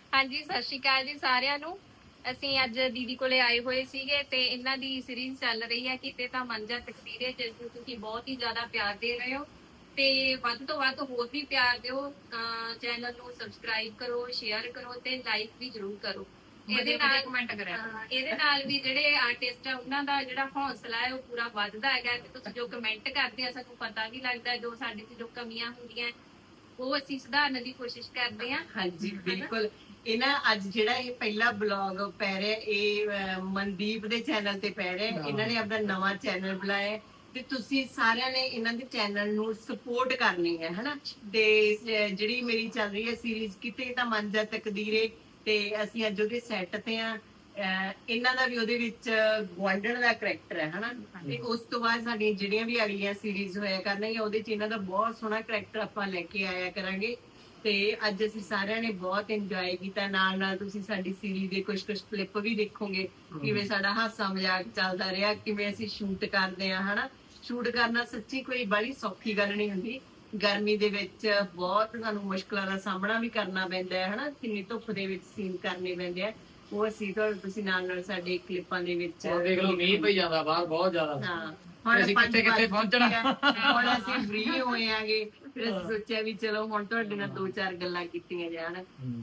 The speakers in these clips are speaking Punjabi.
ਹਾਂਜੀ, ਸਤਿ ਸ਼੍ਰੀ ਅਕਾਲ ਜੀ ਸਾਰਿਆਂ ਨੂੰ। ਅਸੀਂ ਅੱਜ ਦੀਦੀ ਕੋਲੇ ਆਏ ਹੋਏ ਸੀਗੇ ਤੇ ਇਹਨਾਂ ਦੀ ਸੀਰੀਜ਼ ਚੱਲ ਰਹੀ ਹੈ ਕਿਤੇ ਤਾਂ ਮੰਜਾ ਤਕਦੀਰੇ, ਜਿਸ ਨੂੰ ਤੁਸੀਂ ਬਹੁਤ ਹੀ ਜ਼ਿਆਦਾ ਪਿਆਰ ਦੇ ਰਹੇ ਹੋ ਤੇ ਵੱਧ ਤੋਂ ਵੱਧ ਹੋਰ ਵੀ ਪਿਆਰ ਦਿਓ। ਚੈਨਲ ਨੂੰ ਸਬਸਕ੍ਰਾਈਬ ਕਰੋ, ਸ਼ੇਅਰ ਕਰੋ ਤੇ ਲਾਈਕ ਵੀ ਜ਼ਰੂਰ ਕਰੋ। ਇਹਦੇ ਨਾਲ ਕਮੈਂਟ ਕਰਿਆ। ਇਹਦੇ ਨਾਲ ਵੀ ਜਿਹੜੇ ਆਰਟਿਸਟ ਆ ਉਹਨਾਂ ਦਾ ਜਿਹੜਾ ਹੌਸਲਾ ਹੈ ਉਹ ਪੂਰਾ ਵੱਧਦਾ ਹੈਗਾ ਤੇ ਤੁਸੀਂ ਜੋ ਕਮੈਂਟ ਕਰਦੇ ਆ ਸਾਨੂੰ ਪਤਾ ਵੀ ਲੱਗਦਾ ਜੋ ਸਾਡੇ 'ਚ ਜੋ ਕਮੀਆਂ ਹੁੰਦੀਆਂ ਉਹ ਅਸੀਂ ਸੁਧਾਰਨ ਦੀ ਕੋਸ਼ਿਸ਼ ਕਰਦੇ ਹਾਂ। ਹਾਂਜੀ ਬਿਲਕੁਲ। ਇਹ ਨਾ ਅੱਜ ਜਿਹੜਾ ਇਹ ਪਹਿਲਾ ਬਲੌਗ ਪੈ ਰਿਹਾ ਇਹ ਮਨਦੀਪ ਦੇ ਚੈਨਲ ਤੇ ਪੈ ਰਿਹਾ। ਇਹਨਾਂ ਨੇ ਆਪਣਾ ਨਵਾਂ ਚੈਨਲ ਬਣਾਇਆ ਹੈ ਤੇ ਤੁਸੀਂ ਸਾਰਿਆਂ ਨੇ ਇਹਨਾਂ ਦੇ ਚੈਨਲ ਨੂੰ ਸਪੋਰਟ ਕਰਨੀ ਹੈ ਹਨਾ। ਤੇ ਜਿਹੜੀ ਮੇਰੀ ਚੱਲ ਰਹੀ ਹੈ ਸੀਰੀਜ਼ ਕਿਤੇ ਤਾਂ ਮੰਜਾ ਤਕਦੀਰੇ ਤੇ ਅਸੀਂ ਅੱਜ ਉਹਦੇ ਸੈੱਟ ਤੇ ਆ। ਇਹਨਾਂ ਦਾ ਵੀ ਉਹਦੇ ਵਿੱਚ ਗੁਆਂਢਣ ਦਾ ਕਰੈਕਟਰ ਹੈ ਹਨਾ। ਤੇ ਉਸ ਤੋਂ ਬਾਅਦ ਸਾਡੀਆਂ ਜਿਹੜੀਆਂ ਵੀ ਅਗਲੀਆਂ ਸੀਰੀਜ਼ ਹੋਇਆ ਕਰਨਗੀਆਂ ਉਹਦੇ ਚ ਇਹਨਾਂ ਦਾ ਬਹੁਤ ਸੋਹਣਾ ਕਰੈਕਟਰ ਆਪਾਂ ਲੈ ਕੇ ਆਇਆ ਕਰਾਂਗੇ। ਤੇ ਅੱਜ ਅਸੀਂ ਸਾਰਿਆਂ ਨੇ ਬਹੁਤ ਇੰਜੋਏ ਕੀਤਾ। ਨਾਲ ਨਾਲ ਤੁਸੀਂ ਸਾਡੀ ਸੀਰੀਜ਼ ਦੇ ਕੁਝ ਕਲਿੱਪ ਵੀ ਦੇਖੋਗੇ ਕਿਵੇਂ ਸਾਡਾ ਹਾਸਾ ਮਜ਼ਾਕ ਚੱਲਦਾ ਰਿਹਾ, ਕਿਵੇਂ ਅਸੀਂ ਸ਼ੂਟ ਕਰਦੇ ਆ ਹਨਾ। ਸ਼ੂਟ ਕਰਨਾ ਸੱਚੀ ਕੋਈ ਬੜੀ ਸੌਖੀ ਗੱਲ ਨਹੀਂ ਹੁੰਦੀ। ਗਰਮੀ ਦੇ ਵਿੱਚ ਬਹੁਤ ਸਾਨੂੰ ਮੁਸ਼ਕਲਾਂ ਦਾ ਸਾਹਮਣਾ ਵੀ ਕਰਨਾ ਪੈਂਦਾ ਹੈ ਹਨਾ। ਕਿੰਨੀ ਧੁੱਪ ਦੇ ਵਿੱਚ ਸੀਨ ਕਰਨੇ ਪੈਂਦੇ ਆ। ਉਹ ਅਸੀਂ ਤੁਸੀਂ ਨਾਲ ਨਾਲ ਸਾਡੇ ਕਲਿੱਪਾਂ ਦੇ ਵਿੱਚ ਦੇਖ ਲਓ ਮੀਂਹ ਪਈ ਜਾਂਦਾ ਬਾਹਰ ਬਹੁਤ ਜ਼ਿਆਦਾ। ਹਾਂ ਹੁਣ ਅਸੀਂ ਕਿੱਥੇ ਪਹੁੰਚਣਾ। ਹੁਣ ਅਸੀਂ ਫ੍ਰੀ ਹੋਏ ਆਂਗੇ ਫਿਰ ਅਸੀਂ ਸੋਚਿਆ ਵੀ ਚਲੋ ਹੁਣ ਤੁਹਾਡੇ ਨਾਲ ਦੋ ਚਾਰ ਗੱਲਾਂ ਕੀਤੀਆਂ ਜਾਣ।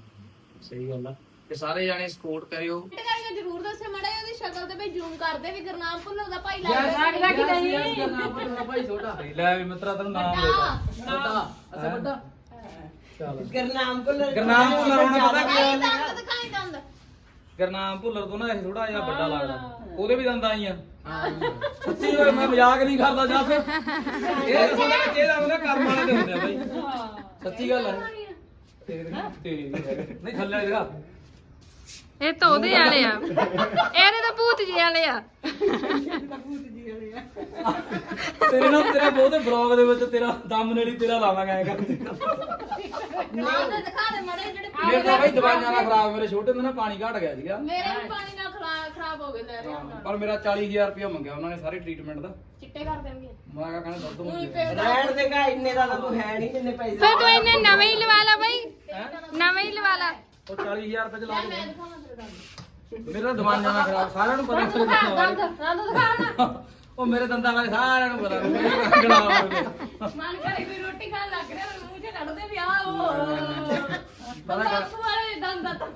ਸਹੀ ਗੱਲ ਆ ਤੇ ਸਾਰੇ ਜਾਣੇ ਸਪੋਰਟ ਕਰਿਓ। ਜਰੂਰ ਦੱਸਿਓ ਮਾੜਾ ਜਿਹਾ ਉਹਦੀ ਸ਼ਕਲ ਤੇ ਬਈ ਜ਼ੂਮ ਕਰਦੇ ਵੀ ਗੁਰਨਾਮ ਭੁੱਲਰ ਦਾ ਭਾਈ ਲੱਗਦਾ ਕਿ ਨਹੀਂ। ਗੁਰਨਾਮ ਭੁੱਲਰ ਦਾ ਭਾਈ ਛੋਟਾ ਲੈ ਵੀ ਮਿੱਤਰਾ ਤੈਨੂੰ ਨਾਮ ਲੈਦਾ ਵੱਡਾ। ਅੱਛਾ ਵੱਡਾ ਚੱਲ ਗੁਰਨਾਮ ਭੁੱਲਰ ਹੁਣ ਪਤਾ ਕੀ ਦੰਦ ਦਿਖਾਈ ਦੰਦ। ਗੁਰਨਾਮ ਭੁੱਲਰ ਤੋਂ ਨਾ ਇਹ ਥੋੜਾ ਜਿਹਾ ਵੱਡਾ ਲੱਗਦਾ। ਉਹਦੇ ਵੀ ਦੰਦ ਆਈ ਆ। ਸੱਚੀ ਓਏ ਮੈਂ ਮਜ਼ਾਕ ਨਹੀਂ ਕਰਦਾ ਜੱਸ। ਇਹ ਅਸਲ ਵਿੱਚ ਇਹਦਾ ਉਹਨੇ ਕਰਮ ਵਾਲੇ ਦੇ ਹੁੰਦੇ ਆ ਬਾਈ। ਸੱਚੀ ਗੱਲ ਹੈ। ਤੇਰੀ ਨਹੀਂ ਥੱਲੇ ਦਿਖਾ। ਇਹ ਤਾਂ ਉਹਦੇ ਵਾਲੇ ਆ, ਇਹਦੇ ਤਾਂ ਭੂਤ ਜੀ ਵਾਲੇ ਆ। ਤੇਰੇ ਨਾਲ ਤੇਰਾ ਬਹੁਤੇ ਬਲੌਗ ਦੇ ਵਿੱਚ ਤੇਰਾ ਥੰਬਨੇਲ ਹੀ ਤੇਰਾ ਲਾਵਾਂਗਾ ਐ ਕਰਕੇ। ਦੰਦ ਦਿਖਾ ਦੇ ਮਾੜੇ ਜਿਹੜੇ ਮੇਰੇ ਤਾਂ ਬਾਈ ਦਵਾਈਆਂ ਨਾਲ ਖਰਾਬ, ਮੇਰੇ ਛੋਟੇ ਹੁੰਦੇ ਨਾ ਪਾਣੀ ਘਟ ਗਿਆ ਸੀਗਾ। ਮੇਰੇ ਵੀ ਪਾਣੀ ਨਾਲ ਖਰਾਬ ਹੋ ਗਏ ਲੈ ਰਿਹਾ ਹੁਣ। ਪਰ ਮੇਰਾ 40000 ਰੁਪਇਆ ਮੰਗਿਆ ਉਹਨਾਂ ਨੇ ਸਾਰੇ ਟ੍ਰੀਟਮੈਂਟ ਦਾ। ਚਿੱਟੇ ਕਰ ਦੇਣਗੇ। ਮੈਂ ਕਿਹਾ ਕਹਿੰਦਾ ਦੁੱਧ ਉਹੀ ਮੰਗਿਆ। ਪੇਟ ਰਹਿਣ ਦੇਗਾ ਇੰਨੇ ਦਾ ਤਾਂ ਤੂੰ ਹੈ ਨਹੀਂ ਜਿੰਨੇ ਪੈਸੇ ਫਿਰ ਤੂੰ ਇਹਨੇ ਨਵੇਂ ਹੀ ਲਵਾ ਲਾ ਬਈ, ਨਵੇਂ ਹੀ ਲਵਾ ਲਾ। ਉਹ 40000 ਰੁਪਏ ਚ ਲਾ ਮੈਂ ਦੇ। ਦਿਖਾਵਾਂ ਤੇਰੇ ਦੰਦ। ਮੇਰਾ ਦਵਾਈਆਂ ਨਾਲ ਖਰਾਬ ਸਾਰਿਆਂ ਨੂੰ ਪਤਾ। ਦੰਦ ਦਿਖਾ ਨਾ। ਉਹ ਮੇਰੇ ਦੰਦਾਂ ਬਾਰੇ ਸਾਰਿਆਂ ਨੂੰ ਪਤਾ। ਮੇਰੇ ਕੰਗਣਾ ਮਨ ਕਰੇ ਕੋਈ ਰੋਟੀ ਖਾਣ ਲੱਗ ਰਿਹਾ ਮੂੰਹ ਚ ਕੱਢਦੇ ਵੀ ਆ ਉਹ ਬਸ ਵਾਲੇ ਦੰਦ ਤਾਂ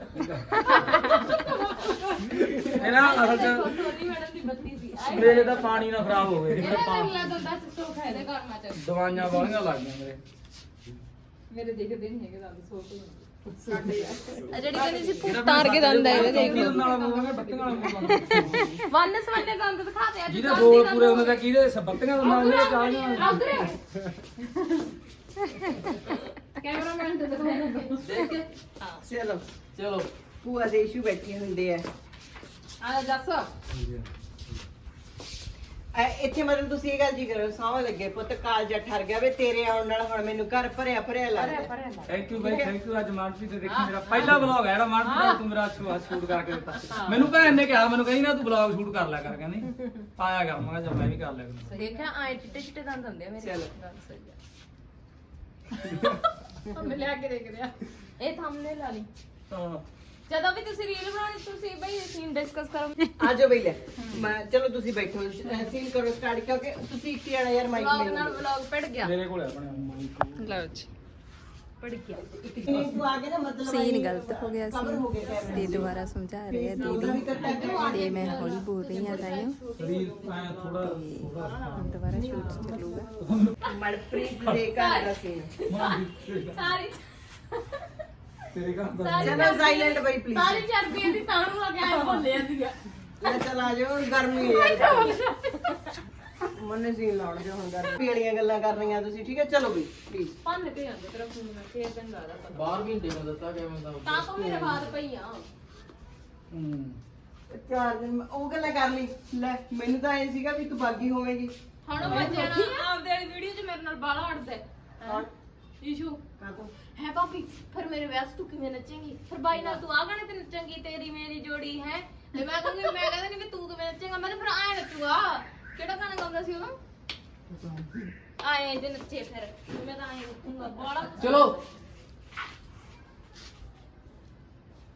ਇਹਨਾਂ ਅਸਲ ਚ ਛੋਟੀ ਮੈਡਮ ਦੀ ਬੱਤੀ ਸੀ ਮੇਰੇ ਤਾਂ ਪਾਣੀ ਨਾਲ ਖਰਾਬ ਹੋ ਗਏ। ਇਹਦਾ ਅਗਲਾ ਦੰਦਾ ਸੁੱਖ ਹੈ ਦੇ ਕਰਮਾ ਚ ਦਵਾਈਆਂ ਵਾਲੀਆਂ ਲੱਗ ਗਈਆਂ ਮੇਰੇ। ਮੇਰੇ ਦੇਖਦੇ ਨਹੀਂ ਹੈਗੇ ਦੰਦ ਸੋਤੇ ਸਾਡੇ ਯਾਰ ਜਿਹੜੀ ਕਹਿੰਦੀ ਸੀ ਭੂਤ ਤਾਰ ਕੇ ਦੰਦ ਆ ਇਹਦੇ ਦੇਖ ਲਓ। ਨਾਲ ਬੋਲਾਂਗੇ ਬੱਤੀਆਂ ਨਾਲ ਬੋਲਾਂਗੇ। ਵਨ ਸਵੰਨੇ ਦੰਦ ਦਿਖਾ ਦੇ ਅੱਜ ਜਿਹਦੇ ਬੋਲ ਪੂਰੇ ਹੁੰਦੇ ਤਾਂ ਕਿਹਦੇ ਬੱਤੀਆਂ ਦਾ ਨਾਮ ਲੈ ਚਾਹੀਦਾ। ਕੈਮਰਾਮੈਨ ਤੇ ਦਿਖਾਉਣਾ ਦੇਖ ਕੇ ਚਲੋ ਚਲੋ ਭੂਆ ਦੇ ਇਸ਼ੂ ਬੈਠੇ ਹੁੰਦੇ ਆ। ਆ ਜੱਸ ਇੱਥੇ ਮਤਲਬ ਤੁਸੀਂ ਇਹ ਗੱਲ ਜੀ ਕਰੋ ਸੌਂ ਲੱਗੇ ਪੁੱਤ ਕਾਲਜਾ ਠਰ ਗਿਆ ਵੇ ਤੇਰੇ ਆਉਣ ਨਾਲ ਹੁਣ ਮੈਨੂੰ ਘਰ ਭਰਿਆ ਭਰਿਆ ਲੱਗਦਾ। ਥੈਂਕ ਯੂ ਬਾਈ, ਥੈਂਕ ਯੂ। ਅੱਜ ਮਾਨਸੀ ਤੇ ਦੇਖੀ ਮੇਰਾ ਪਹਿਲਾ ਵਲੌਗ ਹੈ ਜਿਹੜਾ ਮਾਨਸੀ ਤੂੰ ਮੇਰਾ ਸ਼ੂਟ ਕਰਕੇ ਦਿੱਤਾ। ਮੈਨੂੰ ਭੈਣ ਨੇ ਕਿਹਾ, ਮੈਨੂੰ ਕਹੀ ਨਾ ਤੂੰ ਵਲੌਗ ਸ਼ੂਟ ਕਰ ਲਿਆ ਕਰ, ਕਹਿੰਦੀ ਆਇਆ ਕਰ। ਮੈਂ ਕਿਹਾ ਚੱਲ ਮੈਂ ਵੀ ਕਰ ਲਿਆ ਕਰੂੰ। ਦੇਖਿਆ ਆਏ ਚਿੱਟੇ ਚਿੱਟੇ ਦੰਦ ਹੁੰਦੇ ਆ ਮੇਰੇ। ਚਲੋ ਮੈਂ ਲਿਆ ਕੇ ਦੇਖ ਰਿਹਾ ਇਹ ਥੰਬਨੇਲ ਲਾ ਲਈ। ਹਾਂ ਜਦੋਂ ਵੀ ਤੁਸੀਂ ਰੀਲ ਬਣਾਉਣੀ ਤੁਸੀਂ ਬਈ ਸੀਨ ਡਿਸਕਸ ਕਰੋ। ਆ ਜਾਓ ਬਈ ਲੈ ਮੈਂ ਚਲੋ ਤੁਸੀਂ ਬੈਠੋ ਸੀਨ ਕਰੋ ਸਟਾਰਟ ਕਿਉਂਕਿ ਤੁਸੀਂ ਇੱਕ ਜਣਾ ਯਾਰ ਮਾਈਕ ਵਲੌਗ ਲੈ ਨਾਲ ਵਲੌਗ ਪੜ ਗਿਆ ਮੇਰੇ ਕੋਲ ਆਪਣੇ ਮਾਈਕ। ਲਓ ਜੀ, ਪੜ ਗਿਆ ਤੂੰ ਆ ਕੇ ਨਾ ਮਤਲਬ ਸੀਨ ਗਲਤ ਹੋ ਗਿਆ ਕਵਰ ਹੋ ਸੀ ਗਿਆ ਤੇ ਦੁਬਾਰਾ ਸਮਝਾ ਰਹੇ ਆ ਦੀਦੀ ਤੇ ਮੈਂ ਹੌਲੀ ਬੋਲ ਰਹੀ ਹਾਂ ਤਾਈਓ। ਸਰੀਰ ਆਇਆ ਥੋੜਾ ਹੁਣ ਦੁਬਾਰਾ ਸ਼ੂਟ ਚੱਲੂਗਾ। ਮਨਪ੍ਰੀਤ ਦੇ ਘਰ ਦਾ ਸੀਨ ਸਾਰੀ ਤੇਰੇ ਘਰ ਦਾ ਚਲੋ ਸਾਇਲੈਂਟ ਬਈ ਪਲੀਜ਼ ਸਾਰੀ ਚਰਬੀ ਇਹਦੀ ਤਾਂ ਨੂੰ ਆ ਗਿਆ ਭੁੱਲੇ ਜਾਂਦੀ ਆ ਲੈ ਚਲ ਆ ਜਾਓ ਗਰਮੀ ਹੈ ਯਾਰ ਮਨੇ ਸੀਨ ਲਾਉਣ ਜੋ ਹੁਣ ਗਰਮੀ ਵਾਲੀਆਂ ਗੱਲਾਂ ਕਰ ਰਹੀਆਂ ਤੁਸੀਂ ਠੀਕ ਹੈ। ਚਲੋ ਬਈ ਪਲੀਜ਼ ਪੰਨ ਤੇ ਜਾਂਦੇ ਤੇਰਾ ਫੋਨ ਫੇਰ ਤੈਨੂੰ ਲੱਗਦਾ ਪਤਾ ਬਾਹਰ ਵੀ ਦੇ ਦਿੱਤਾ ਗਿਆ ਮੈਂ ਤਾਂ ਤੋਂ ਮੇਰੇ ਬਾਅਦ ਪਈ ਆ ਹੂੰ 4 ਦਿਨ ਉਹ ਗੱਲਾਂ ਕਰ ਲਈ ਲੈ ਮੈਨੂੰ ਤਾਂ ਐ ਸੀਗਾ ਵੀ ਤੂੰ ਬਾਗੀ ਹੋਵੇਂਗੀ। ਹੁਣ ਮੈਂ ਜਾਣਾ ਆਪਦੇ ਵਾਲੀ ਵੀਡੀਓ 'ਚ ਮੇਰੇ ਨਾਲ ਬਾਲਾ ਹਟਦਾ ਈਸ਼ੂ ਕਾਹਤੋਂ ਹੈ ਭਾਬੀ ਫਿਰ ਮੇਰੇ ਵਿਆਹ 'ਚ ਤੂੰ ਕਿਵੇਂ ਨੱਚੇਂਗੀ ਫਿਰ ਬਾਈ ਨਾਲ ਤੂੰ ਆ ਗਾਣੇ ਤੇ ਨੱਚੇਂਗੀ ਤੇਰੀ ਮੇਰੀ ਜੋੜੀ ਹੈ ਤੇ ਮੈਂ ਕਹੂੰਗੀ ਮੈਂ ਕਹਿੰਦਾ ਨਹੀਂ ਵੀ ਤੂੰ ਕਿਵੇਂ ਨੱਚੇਂਗਾ ਮੈਂ ਤਾਂ ਫਿਰ ਆਏ ਨੱਚੂਗਾ ਕਿਹੜਾ ਗਾਣਾ ਗਾਉਂਦਾ ਸੀ ਉਦੋਂ ਆਏ ਜੇ ਨੱਚੇ ਫਿਰ ਮੈਂ ਤਾਂ ਆਏ ਨੱਚੂਗਾ ਬਾਲਾ ਚਲੋ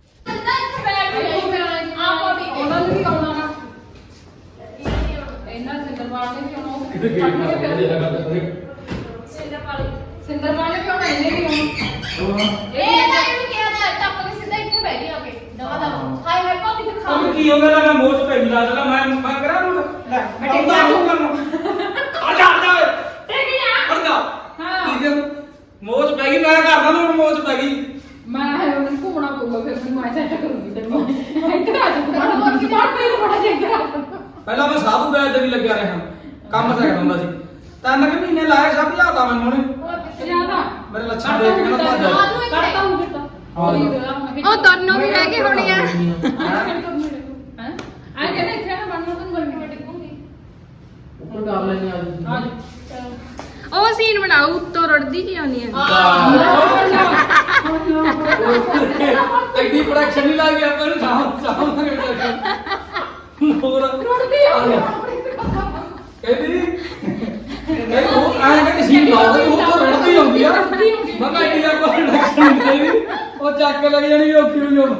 ਸਿੰਦਰਪਾਲ ਕਿਉਂ ਐਨੇ ਨਹੀਂ ਹੁਣ ਇਹ ਤਾਂ ਇਹਨੂੰ ਕਿਹਾ ਤਾਂ ਟੱਪ ਕੇ ਸਿੱਧਾ ਇੱਥੇ ਬਹਿ ਗਿਆ ਕੇ ਦਵਾ ਦਵਾ ਹਾਏ ਹਾਏ ਭਾਬੀ ਦਿਖਾ ਉਹ ਕੀ ਹੋ ਗਿਆ ਮੈਂ ਮੋਚ ਪੈ ਗਈ ਲੱਗਦਾ ਮੈਂ ਕਰਾਂ ਨੂੰ ਲੈ ਮੈਂ ਟਿੱਕਾ ਨੂੰ ਆ ਜਾ ਠੀਕ ਹੈ ਜਾ ਠੀਕ ਹੈ ਮੋਚ ਪੈ ਗਈ ਮੈਂ ਕਰਦਾ ਨੂੰ ਮੋਚ ਪੈ ਗਈ ਮੈਂ ਹੁਣ ਘੁੰਮਣਾ ਪਊਗਾ ਫਿਰ ਮੈਨੂੰ ਐਸਾ ਕਰੂੰਗੀ ਤੈਨੂੰ ਇੱਧਰ ਆ ਜਾ ਤੂੰ ਬੜਾ ਚੰਗਾ ਪਹਿਲਾਂ ਮੈਂ ਸਾਧੂ ਬੈਲ ਤੇ ਵੀ ਲੱਗਿਆ ਰਿਹਾ ਕੰਮ ਸਿੱਖਦਾ ਹੁੰਦਾ ਸੀ 3 ਮਹੀਨੇ ਲਾਏ ਸਭ ਲਿਆਦਾ ਮੈਨੂੰ ਉਹਨੇ ਜਿਆਦਾ ਮੇਰੇ ਲੱਛਣ ਦੇਖ ਕੇ ਕਹਿੰਦਾ ਭੱਜ ਜਾ ਕਰਤਾ ਹੂੰ ਕਿਤਾ ਉਹ ਦੋਨੋਂ ਵੀ ਰਹਿ ਗਏ ਹੋਣੇ ਆ ਹੈ ਆ ਕਹਿੰਦਾ ਇੱਥੇ ਨਾ ਬਣਨਾ ਤੈਨੂੰ ਗਰਮੀ ਕੱਟ ਦੂੰਗੀ ਉਹ ਕਰ ਲੈਣੀ ਆ ਉਹ ਸੀਨ ਬਣਾਓ ਉੱਤੋਂ ਰੜਦੀ ਜੀ ਆਉਂਦੀ ਆ ਐਡੀ ਪ੍ਰੋਡਕਸ਼ਨ ਨਹੀਂ ਲੱਗ ਗਿਆ ਆਪਾਂ ਨੂੰ ਸਾਹਮ ਹੋਰ ਰੁੜਦੀ ਆ ਕਹਿੰਦੀ ਇਹ ਉਹ ਆਇਆ ਕਿ ਸੀਨ ਲਾਉਂਦੇ ਉਹ ਤਾਂ ਰੜਦੀ ਆਉਂਦੀ ਆ ਮੈਂ ਕਿਹਾ ਐਡੀ ਆਪਾਂ ਪ੍ਰੋਡਕਸ਼ਨ ਨਹੀਂ ਉਹ ਚੱਕ ਕੇ ਲੱਗ ਜਾਣੀ ਉਹ ਕਿਉਂ ਜੋ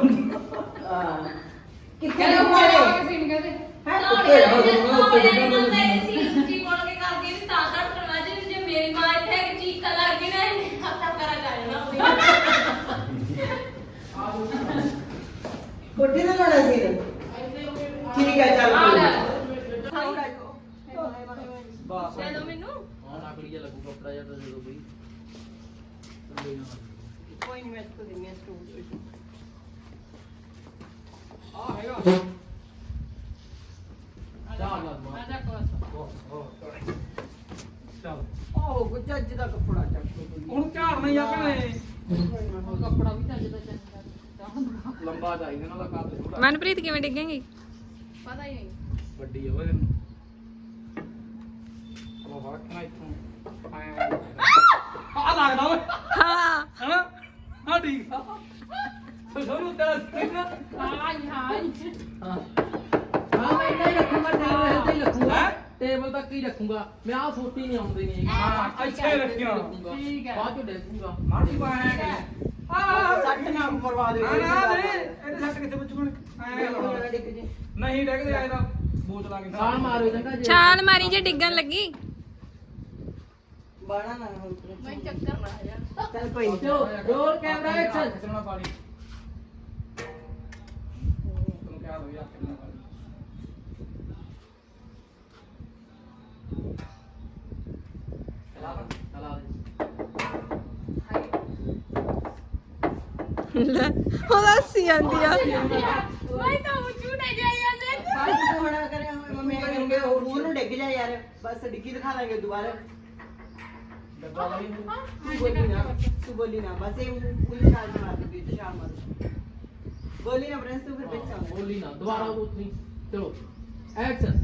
ਕਿੱਥੇ ਲੋਕ ਸੀਨ ਕਹਦੇ ਉੱਤੇ ਉੱਤੇ ਡਿੱਗਣ ਜੀ ਕੋਲ ਕੇ ਕਰਦੀ ਸੀ ਤਾਂ ਤਾਂ ਕਰਨਾ ਜੇ ਮੇਰੀ ਮਾਂ ਇੱਥੇ ਕਿ ਚੀਕਾਂ ਲੱਗ ਗਈ ਨਾ ਹੱਥਾਂ ਕਰਾ ਜਾਣਾ ਕੋਠੇ ਤੇ ਲਾਉਣਾ ਸੀ ਠੀਕ ਹੈ ਚੱਲ ਆ ਲੈ ਬਸ ਦੇ ਦੋ ਮੈਨੂੰ ਹੁਣ ਆਕੜੀ ਜਿਹਾ ਲੱਗੂ ਕੱਪੜਾ ਜਿਹਾ ਤਾਂ ਜਦੋਂ ਬਈ ਕੋਈ ਨਹੀਂ ਮੈਂ ਤੋਂ ਦਿੰਨੀ ਆ ਸਟੂਡ ਆ ਹੈਗਾ ਚੱਲ ਆ ਜਾ ਕੋਸ ਚੱਲ ਆਹੋ ਕੁਝ ਅੱਜ ਦਾ ਕੱਪੜਾ ਚੱਕ ਹੁਣ ਝਾੜਨਾ ਹੀ ਆ ਭੈਣੇ ਕੱਪੜਾ ਵੀ ਚੱਜ ਦਾ ਚੰਗਾ ਲੰਬਾ ਚਾਹੀਦਾ ਇਹਨਾਂ ਦਾ ਕੱਦ ਛੋਟਾ ਮਨਪ੍ਰੀਤ ਕਿਵੇਂ ਡਿੱਗੇਗੀ ਪਤਾ ਹੀ ਨਹੀਂ ਵੱਡੀ ਆ ਓਏ ਇਹਨੂੰ ਉਹ ਵਰਕਣਾ ਇੱਥੋਂ ਆ ਲੱਗਦਾ ਓਏ ਹਾਂ ਹਨਾ ਹਾਂ ਠੀਕ ਆ ਸੋਨੂੰ ਤੇਰਾ ਸਕਰੀਨ ਹਾਈ ਹਾਈ ਹਾਂ ਮੈਂ ਇੱਦਾਂ ਹੀ ਰੱਖੂੰਗਾ ਟੇਬਲ ਤੇ ਹੀ ਰੱਖੂੰਗਾ ਹੈਂ? ਟੇਬਲ ਤੱਕ ਹੀ ਰੱਖੂੰਗਾ ਮੈਂ ਆਹ ਛੋਟੀ ਨਹੀਂ ਆਉਂਦੀ ਨਹੀਂ ਹਾਂ ਇੱਥੇ ਰੱਖਿਆ ਠੀਕ ਹੈ ਬਾਅਦ ਚ ਦੇਖੂੰਗਾ ਮਾੜੀ ਪਾਇਆ ਆ ਸੱਟ ਨਾ ਮਰਵਾ ਦੇ ਨਾ ਨਾ ਨਹੀਂ ਇਹਦੇ ਸੱਟ ਕਿੱਥੇ ਬੱਚੂ ਐ ਲਾਉਣਾ ਡਿੱਗ ਜੇ ਨਹੀਂ ਡੈਗਦੇ ਆਏ ਤਾਂ ਬੋਚ ਲਾ ਕੇ ਛਾਲ ਮਾਰੋ ਚੰਗਾ ਜੇ ਛਾਲ ਮਾਰੀ ਜੇ ਡਿੱਗਣ ਲੱਗੀ ਬਾਣਾ ਨਾ ਹੁਣ ਮੈਂ ਚੱਕਰ ਨਾ ਜਾ ਚੱਲ ਕੋਈ ਨਹੀਂ ਚਲੋ ਰੋਲ ਕੈਮਰਾ ਐਕਸ਼ਨ ਖਿੱਚਣਾ ਪਾਣੀ ਤੈਨੂੰ ਕਿਹਾ ਦੋ ਯਾਰ ਖਿੱਚਣਾ ਪਾਣੀ ਚਲਾ ਦੇ ਉਹਦਾ ਸੀ ਆਂਦੀ ਆ ਮੈਂ ਤਾਂ ਉੱਚੂਟੇ ਜਾਈ ਜਾਂਦੇ ਬਸ ਤੂੰ ਹੋਣਾ ਕਰਿਆ ਹੋਇਆ ਮੰਮੀ ਕਹਿੰਦੇ ਹੋਰ ਨੂੰ ਡਿੱਗ ਜਾ ਯਾਰ ਬਸ ਡਿੱਗੀ ਦਿਖਾ ਦਾਂਗੇ ਦੁਬਾਰਾ ਡੱਬਾ ਵਾਲੀ ਤੂੰ ਬੋਲੀ ਨਾ ਬਸ ਇਹ ਕੋਈ ਛਾਲ ਮਾਰ ਦੇ ਤੇ ਛਾਲ ਮਾਰ ਬੋਲੀ ਨਾ ਪ੍ਰਿੰਸ ਤੂੰ ਫਿਰ ਵਿੱਚ ਆਉਂਦਾ ਬੋਲੀ ਨਾ ਦੁਬਾਰਾ ਉਤਨੀ ਚਲੋ ਐਕਸ਼ਨ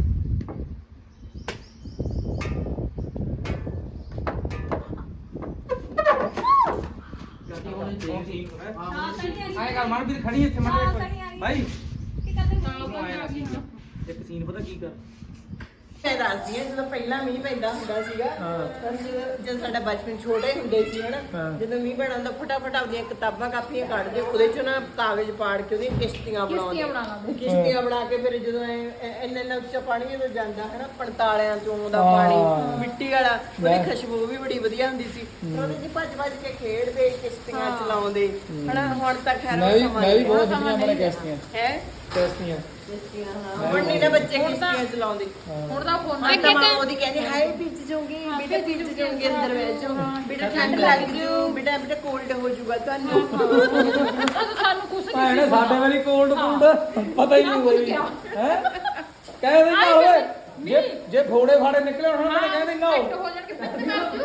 ਗੱਡੀ ਹੋਣੀ ਚਾਹੀਦੀ ਹਾਂ ਸਹੀ ਹੈ ਆਏ ਕਰ ਮਨਪ੍ਰੀਤ ਖੜੀ ਇੱਥੇ ਹਾਂ, ਮਨ ਖੜੀ ਆ। ਭਾਈ ਕੀ ਕਰਦੇ ਇੱਕ ਸੀਨ ਪਤਾ ਕੀ ਕਰ ਮੈਂ ਦੱਸਦੀ ਹਾਂ ਜਦੋਂ ਪਹਿਲਾਂ ਮੀਂਹ ਪੈਂਦਾ ਹੁੰਦਾ ਸੀਗਾ ਤਾਂ ਜਦੋਂ ਸਾਡਾ ਬਚਪਨ ਛੋਟੇ ਹੁੰਦੇ ਸੀ ਹਨਾ ਜਦੋਂ ਮੀਂਹ ਪੈਣਾ ਹੁੰਦਾ ਫਟਾਫਟ ਆਪਣੀਆਂ ਕਿਤਾਬਾਂ ਕਾਪੀਆਂ ਕੱਢਦੇ ਉਹਦੇ ਚੋਂ ਨਾ ਕਾਗਜ਼ ਪਾੜ ਕੇ ਉਹਦੀਆਂ ਕਿਸ਼ਤੀਆਂ ਬਣਾਉਂਦੇ ਕਿਸ਼ਤੀਆਂ ਬਣਾ ਕੇ ਫਿਰ ਜਦੋਂ ਇੰਨਾ ਉੱਚਾ ਪਾਣੀ ਜਦੋਂ ਜਾਂਦਾ ਹਨਾ 45 ਚੋਂ ਦਾ ਪਾਣੀ ਮਿੱਟੀ ਵਾਲਾ ਉਹਦੀ ਖੁਸ਼ਬੂ ਵੀ ਬੜੀ ਵਧੀਆ ਹੁੰਦੀ ਸੀ ਉਹਦੇ ਚ ਭੱਜ ਭੱਜ ਕੇ ਖੇਡਦੇ ਕਿਸ਼ਤੀਆਂ ਚਲਾਉਂਦੇ ਹਨਾ ਹੁਣ ਤਾਂ ਖੈਰ ਮੈਂ ਵੀ ਬਹੁਤ ਦੇਖੀਆਂ ਆਪਣੇ ਕਿਸ਼ਤੀਆਂ ਹੈ ਕਿਸ਼ਤੀਆਂ ਕਿਸ਼ਤੀਆਂ ਹਾਂ ਹੁਣ ਨਹੀਂ ਨਾ ਬੱਚੇ ਕਿਸ਼ਤੀਆਂ ਚਲਾਉਂਦੇ ਹੁਣ ਤਾਂ ਫੋਨ ਮੈਂ ਤਾਂ ਮਾਂ ਉਹਦੀ ਕਹਿੰਦੀ ਹਾਏ ਭਿੱਜ ਜਾਓਗੇ ਬੇਟਾ ਭਿੱਜ ਜਾਓਗੇ ਅੰਦਰ ਬੈਠ ਜਾਓ ਬੇਟਾ ਠੰਡ ਲੱਗ ਜੂ ਬੇਟਾ ਕੋਲਡ ਹੋ ਜਾਊਗਾ ਤੁਹਾਨੂੰ ਸਾਨੂੰ ਕੁਛ ਭੈਣੇ ਸਾਡੇ ਵਾਲੀ ਕੋਲਡ ਪਤਾ ਹੀ ਨਹੀਂ ਹੋਈ ਹੈ ਕਹਿ ਦਿੰਦਾ ਓਏ ਜੇ ਫੋੜੇ ਫਾੜੇ ਨਿਕਲੇ ਹੁਣ ਤਾਂ ਕਹਿ ਦਿੰਦਾ ਹੋ ਜਾਣਗੇ ਫਿਰ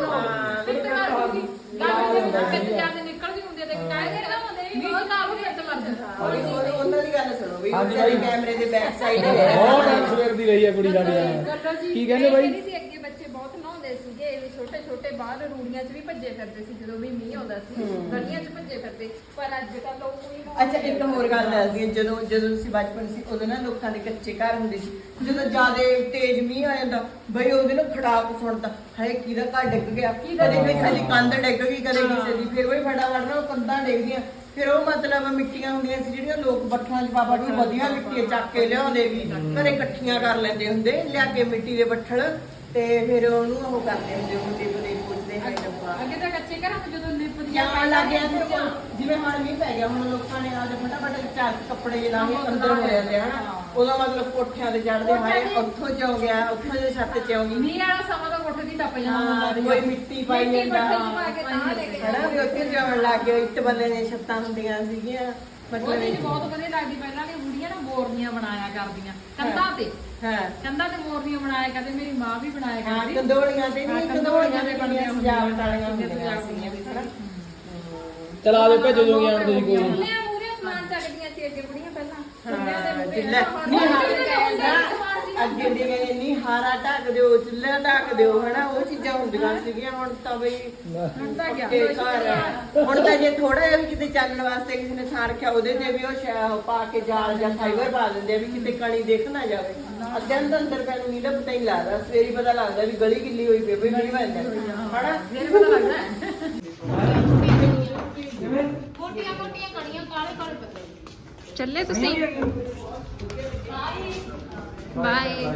ਕਿੱਥੇ ਜਾਂਦੇ ਨਿਕਲਦੀ ਹੁੰਦੀ ਹੈ ਤੇ ਕਾਹਦੇ ਨਾ ਹੁੰਦੇ ਵੀ ਬਹੁਤ ਨਾਲ ਹੋ ਕੇ ਲੱਗ ਜਾਂਦਾ ਉਹਨਾਂ ਦੀ ਗੱਲ ਸੁਣੋ ਵੀ ਹਾਂਜੀ ਉਹਨਾਂ ਦੀ ਬਾਈ। ਕੈਮਰੇ ਦੇ ਬੈਕ ਸਾਈਡ ਬਹੁਤ ਟਾਈਮ ਸਵੇਰ ਦੀ ਰਹੀ ਹੈ ਕੁੜੀ ਸਾਡੀ ਕੀ ਕਹਿੰਦੇ ਬਾਈ ਸੀ ਅੱਗੇ ਬੱਚੇ ਬਹੁਤ ਨਹਾਉਂਦੇ ਸੀਗੇ ਇਹ ਛੋਟੇ ਛੋਟੇ ਬਾਹਰ ਰੂੜੀਆਂ 'ਚ ਵੀ ਭੱਜੇ ਫਿਰਦੇ ਸੀ ਜਦੋਂ ਵੀ ਮੀਂਹ ਆਉਂਦਾ ਸੀ ਗਲੀਆਂ 'ਚ ਭੱਜੇ ਫਿਰਦੇ ਪਰ ਅੱਜ ਕੱਲ ਲੋਕ ਕੋਈ ਅੱਛਾ ਇੱਕ ਹੋਰ ਗੱਲ ਦੱਸਦੀ ਹਾਂ ਜਦੋਂ ਤੁਸੀਂ ਬਚਪਨ ਸੀ ਉਦੋਂ ਨਾ ਲੋਕਾਂ ਦੇ ਕੱਚੇ ਘਰ ਹੁੰਦੇ ਸੀ ਜਦੋਂ ਜ਼ਿਆਦਾ ਤੇਜ਼ ਮੀਂਹ ਆ ਜਾਂਦਾ ਬਈ ਉਹਦੇ ਨਾ ਖੜਾਕ ਸੁਣਦਾ ਹਾਏ ਕਿਹਦਾ ਘਰ ਡਿੱਗ ਗਿਆ ਕਦੇ ਕਿਸੇ ਦੀ ਕੰਧ ਡਿੱਗ ਗਈ ਕਦੇ ਕਿਸੇ ਦੀ ਫਿਰ ਉਹ ਫਟਾਫਟ ਨਾ ਉਹ ਕੰਧਾਂ ਡਿੱਗਦੀਆਂ ਫਿਰ ਉਹ ਮਤਲਬ ਮਿੱਟੀਆਂ ਹੁੰਦੀਆਂ ਸੀ ਜਿਹੜੀਆਂ ਲੋਕ ਬੱਠਲਾਂ 'ਚ ਬਾਬਾ ਜੀ ਵਧੀਆ ਮਿੱਟੀ ਚੱਕ ਕੇ ਲਿਆਉਂਦੇ ਵੀ ਘਰੇ ਇਕੱਠੀਆਂ ਕਰ ਲੈਂਦੇ ਹੁੰਦੇ ਲਿਆ ਕੇ ਮਿੱਟੀ ਦੇ ਬੱਠਲ ਤੇ ਫਿਰ ਉਹਨੂੰ ਉਹ ਕਰਦੇ ਹੁੰਦੇ ਮੁੰਡੇ ਬਲੇ ਪੁੱਛਦੇ ਹੈ ਡੱਬਾ ਅੱਗੇ ਤਾਂ ਕੱਚੇ ਘਰਾਂ ਵਿੱਚ ਜਦੋਂ ਲਿਪ ਜਾਂ ਲੱਗ ਗਿਆ ਤੇ ਜਿਵੇਂ ਹੁਣ ਮੀਂਹ ਪੈ ਗਿਆ ਹੁਣ ਲੋਕਾਂ ਨੇ ਆਦੇ ਫਟਾਫਟ ਚਾਰ ਕੱਪੜੇ ਜੇ ਲਾ ਕੇ ਅੰਦਰ ਹੋ ਜਾਂਦੇ ਹਨਾ ਉਹਦਾ ਮਤਲਬ ਕੋਠਿਆਂ ਤੇ ਚੜਦੇ ਹਾਏ ਉੱਥੋਂ ਚ ਹੋ ਗਿਆ ਉੱਥੋਂ ਦੇ ਛੱਤ ਚ ਆਉਂਗੀ ਮੀਂਹ ਵਾਲਾ ਸਮਾਂ ਤਾਂ ਕੋਠੇ ਦੀ ਟੱਪ ਜਾਂਦਾ ਹਾਂ, ਹੁੰਦਾ ਕੋਈ ਮਿੱਟੀ ਪਾਈ ਮਿੱਟੀ ਜਾਂਦਾ ਪੱਥਰ ਚ ਪਾ ਕੇ ਤਾਂ ਲੈ ਕੇ ਹਨਾ ਵੀ ਉੱਥੇ ਜਾਣ ਲੱਗ ਗਏ ਇੱਟ ਬੱਲੇ ਦੀਆਂ ਛੱਤਾਂ ਹੁੰਦੀਆਂ ਸੀਗੀਆਂ ਉਹ ਮਤਲਬ ਚੀਜ਼ ਬਹੁਤ ਵਧੀਆ ਲੱਗਦੀ ਪਹਿਲਾਂ ਦੀ ਬੁੜੀਆਂ ਨਾ ਮੋਰਨੀਆਂ ਬਣਾਇਆ ਕਰਦੀਆਂ ਕੰਧਾਂ ਤੇ ਹਾਂ ਕੰਧਾਂ ਤੇ ਮੋਰਨੀਆਂ ਬਣਾਇਆ ਕਰਦੇ ਮੇਰੀ ਮਾਂ ਵੀ ਬਣਾਇਆ ਹਾਂ ਕਰਦੀ ਕੰਦੋਲੀਆਂ ਤੇ ਨਹੀਂ ਕੰਦੋਲੀਆਂ ਤੇ ਬਣੀਆਂ ਸਜਾਵਟ ਵਾਲੀਆਂ ਹੁੰਦੀਆਂ ਸੀਗੀਆਂ ਹਨਾ ਚਲ ਆ ਜਾਓ ਭੇਜੋ ਜੋਗੀ ਆਣ ਤੁਸੀਂ ਕੋਈ ਨੀ। ਚੁੱਲ੍ਹਿਆਂ ਮੂਹਰੇ ਸਮਾਨ ਚੱਕਦੀਆਂ ਸੀ ਅੱਗੇ ਬੁੜੀਆਂ ਪਹਿਲਾਂ ਚੁੱਲ੍ਹਿਆਂ ਦੇ ਮੂਹਰੇ ਚੁੱਲ੍ਹਾ ਨਹੀਂ ਅੱਗੇ ਦੀ ਗਏ ਨਹੀਂ ਹਾਰਾ ਢੱਕ ਦਿਓ ਚੁੱਲ੍ਹਾ ਢੱਕ ਦਿਓ ਹਨਾ ਉਹ ਚੀਜ਼ਾਂ ਹੁੰਦੀਆਂ ਸੀਗੀਆਂ ਹੁਣ ਤਾਂ ਬਈ ਹੁਣ ਤਾਂ ਗਿਆ ਤੇ ਘਰ ਹੁਣ ਤਾਂ ਜੇ ਥੋੜਾ ਜਿਹਾ ਵੀ ਕਿਤੇ ਚੱਲਣ ਵਾਸਤੇ ਕਿਸੇ ਨੇ ਸਾਰ ਰੱਖਿਆ ਉਹਦੇ ਤੇ ਵੀ ਉਹ ਪਾ ਕੇ ਜਾਲ ਜਾਂ ਫਾਈਬਰ ਪਾ ਦਿੰਦੇ ਆ ਵੀ ਕਿਤੇ ਕਣੀ ਦੇਖ ਨਾ ਜਾਵੇ ਅੱਧੇ ਅੰਦਰ ਪੈਨੂੰ ਨਹੀਂ ਪਤਾ ਹੀ ਲੱਗਦਾ ਸਵੇਰੀ ਪਤਾ ਲੱਗਦਾ ਵੀ ਗਲੀ ਗਿੱਲੀ ਹੋਈ ਪਈ ਵੀ ਮੀਂਹ ਪੈਂਦਾ ਹਨਾ ਫਿਰ ਪਤਾ ਲੱਗਦਾ ਹੈ। ਮੋਟੀਆਂ ਮੋਟੀਆਂ ਕੜੀਆਂ ਕਾਲੇ ਕਾਲੇ ਪੱਤੇ ਚੱਲੇ ਤੁਸੀਂ ਬਾਏ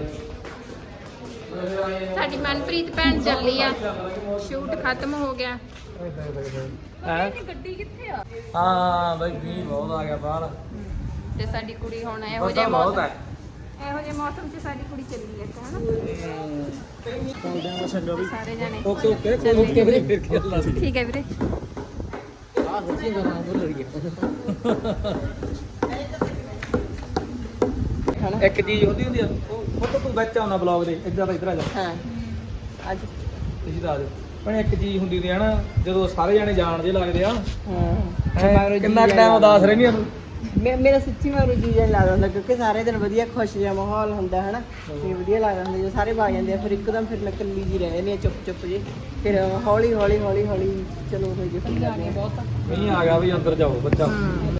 ਸਾਡੀ ਮਨਪ੍ਰੀਤ ਭੈਣ ਚੱਲੀ ਆ ਸ਼ੂਟ ਖਤਮ ਹੋ ਗਿਆ ਹੈਂ? ਗੱਡੀ ਕਿੱਥੇ ਆ ਹਾਂ ਬਈ ਵੀ ਬਹੁਤ ਆ ਗਿਆ ਬਾਹਰ ਤੇ ਸਾਡੀ ਕੁੜੀ ਹੁਣ ਇਹੋ ਪਤਾ ਜਿਹੇ ਬਹੁਤ ਮੌਸਮ ਹੈ ਇਹੋ ਜਿਹੇ ਮੌਸਮ 'ਚ ਸਾਡੀ ਕੁੜੀ ਚੱਲੀ ਹੈ ਹਨਾ ਚੰਗਾ ਵੀ ਸਾਰੇ ਜਣੇ ਓਕੇ ਓਕੇ ਓਕੇ ਵੀਰੇ ਫਿਰ ਕੀ ਅੱਲਾ ਸੀ ਠੀਕ ਹੈ ਵੀਰੇ ਆ ਸੱਚੀ ਗੱਲ ਨਾ ਭੁੱਲ ਗਈ ਇੱਕ ਚੀਜ਼ ਹੁੰਦੀ ਆ ਉਹ ਤਾਂ ਤੂੰ ਵਿੱਚ ਆਉਣਾ ਬਲੌਗ ਦੇ ਇੱਧਰ ਆ ਇੱਧਰ ਆ ਜਾ ਹਾਂ ਅੱਜ ਤੁਸੀਂ ਦੱਸ ਦਿਓ ਪਰ ਇੱਕ ਚੀਜ਼ ਹੁੰਦੀ ਸੀ ਹਨਾ ਜਦੋਂ ਸਾਰੇ ਜਾਣੇ ਜਾਣ ਜੇ ਲੱਗਦੇ ਆ ਹਾਂ ਕਿੰਨਾ ਟਾਈਮ ਉਦਾਸ ਰਹਿੰਦੀ ਆ ਤੂੰ ਮੇਰਾ ਸੱਚੀ ਮੈਨੂੰ ਜੀ ਜਿਹਾ ਲੱਗਦਾ ਹੁੰਦਾ ਕਿਉਂਕਿ ਸਾਰੇ ਦਿਨ ਵਧੀਆ ਖੁਸ਼ ਜਿਹਾ ਮਾਹੌਲ ਹੁੰਦਾ ਹੈ ਨਾ ਤੇ ਵਧੀਆ ਲੱਗਦਾ ਹੁੰਦਾ ਜਦੋਂ ਸਾਰੇ ਆ ਜਾਂਦੇ ਆ ਫਿਰ ਇੱਕਦਮ ਫਿਰ ਮੈਂ ਇਕੱਲੀ ਜੀ ਰਹਿ ਜਾਂਦੀ ਆ ਚੁੱਪ ਚੁੱਪ ਜੀ ਫਿਰ ਹੌਲੀ ਹੌਲੀ ਚਲੋ ਹੋ ਜੇ ਬਹੁਤ ਨਹੀਂ ਆ ਗਿਆ ਵੀ ਅੰਦਰ ਜਾਓ ਬੱਚਾ